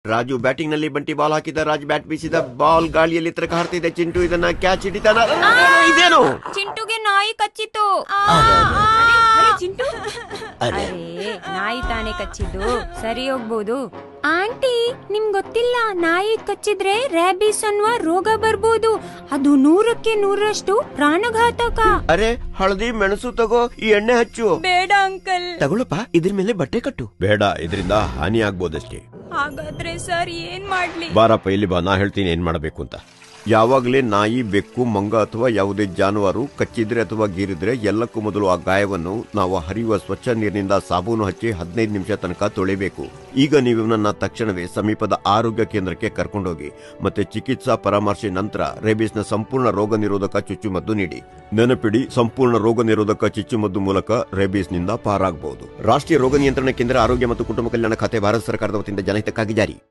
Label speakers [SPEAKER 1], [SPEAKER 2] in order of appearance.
[SPEAKER 1] Raju batting ನಲ್ಲಿ ಬಂಟಿ ball ಹಾಕಿದ. Raj bat ಬೀಸಿದ. ಬಾಲ್ ಗಾಳಿಯಲ್ಲಿ ತರಕ ಹಾರ್ತಿದೆ. ಚಿಂಟು ಇದನ್ನ ಕ್ಯಾಚ್ ಹಿಡಿತಾನ. ಇದೇನು?
[SPEAKER 2] ಚಿಂಟುಗೆ ನಾಯಿ ಕಚ್ಚಿತು. ಚಿಂಟು ಅರೆ ನಾಯಿ ತಾನೇ ಕಚ್ಚಿದ್ದು, ಸರಿ ಹೋಗ್ಬೋದು. ಆಂಟಿ ನಿಮ್ ಗೊತ್ತಿಲ್ಲ, ನಾಯಿ ಕಚ್ಚಿದ್ರೆ ರ್ಯಾಬಿಸ್ ಅನ್ನುವ ರೋಗ ಬರ್ಬೋದು. ಅದು 100ಕ್ಕೆ 100ರಷ್ಟು ಪ್ರಾಣಘಾತಕ.
[SPEAKER 1] ಅರೆ ಹಳದಿ ಮೆಣಸು ತಗೋ, ಈ ಎಣ್ಣೆ ಹಚ್ಚು.
[SPEAKER 2] ಬೇಡ ಅಂಕಲ್.
[SPEAKER 1] ತಗೊಳಪ್ಪ, ಇದ್ರ ಮೇಲೆ ಬಟ್ಟೆ ಕಟ್ಟು. ಬೇಡ, ಇದರಿಂದ ಹಾನಿ ಆಗ್ಬೋದಷ್ಟೇ.
[SPEAKER 2] ಹಾಗಾದ್ರೆ ಸರ್ ಏನ್ ಮಾಡ್ಲಿ?
[SPEAKER 1] ಬಾರಪ್ಪ ಇಲ್ಲಿ ಬಾ, ನಾ ಹೇಳ್ತೀನಿ ಏನ್ ಮಾಡಬೇಕು ಅಂತ. ಯಾವಾಗಲೇ ನಾಯಿ, ಬೆಕ್ಕು, ಮಂಗ ಅಥವಾ ಯಾವುದೇ ಜಾನುವಾರು ಕಚ್ಚಿದ್ರೆ ಅಥವಾ ಗೀರಿದ್ರೆ ಎಲ್ಲಕ್ಕೂ ಮೊದಲು ಆ ಗಾಯವನ್ನು ನಾವು ಹರಿಯುವ ಸ್ವಚ್ಛ ನೀರಿನಿಂದ ಸಾಬೂನು ಹಚ್ಚಿ 15 ನಿಮಿಷ ತನಕ ತೊಳೆಯಬೇಕು. ಈಗ ನೀವು ನನ್ನ ತಕ್ಷಣವೇ ಸಮೀಪದ ಆರೋಗ್ಯ ಕೇಂದ್ರಕ್ಕೆ ಕರ್ಕೊಂಡೋಗಿ ಮತ್ತೆ ಚಿಕಿತ್ಸಾ ಪರಾಮರ್ಶೆ ನಂತರ ರೇಬಿಸ್ನ ಸಂಪೂರ್ಣ ರೋಗ ನಿರೋಧಕ ಚುಚ್ಚುಮದ್ದು ನೀಡಿ. ನೆನಪಿಡಿ, ಸಂಪೂರ್ಣ ರೋಗ ನಿರೋಧಕ ಚುಚ್ಚುಮದ್ದು ಮೂಲಕ ರೇಬಿಸ್ನಿಂದ ಪಾರಾಗಬಹುದು. ರಾಷ್ಟ್ರೀಯ ರೋಗ ನಿಯಂತ್ರಣ ಕೇಂದ್ರ, ಆರೋಗ್ಯ ಮತ್ತು ಕುಟುಂಬ ಕಲ್ಯಾಣ ಖಾತೆ, ಭಾರತ ಸರ್ಕಾರದ ವತಿಯಿಂದ ಜನಹಿತಕ್ಕಾಗಿ ಜಾರಿ.